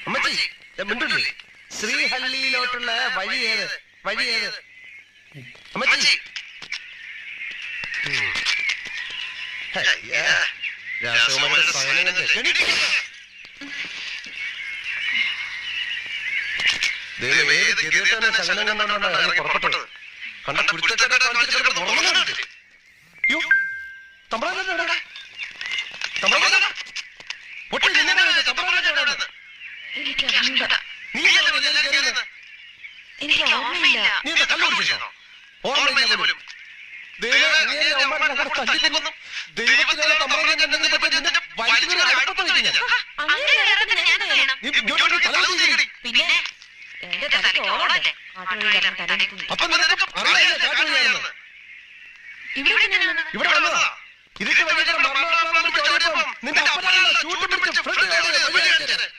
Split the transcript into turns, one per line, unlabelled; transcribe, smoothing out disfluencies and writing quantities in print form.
അമ്മച്ചി മിണ്ടൂല്ലേ? ശ്രീഹള്ളിയിലോട്ടുള്ള വഴി ഏത്? വഴി ഏത്? അമ്മച്ചി രാസകുമാരന്റെ സഹനങ്ങൾ സഹനം കണ്ടാണ് പുറപ്പെട്ടത്. കണ്ട കുരുത്തച്ചേട്ടാ ഇവിടെ വന്നതാ. ഇതൊക്കെ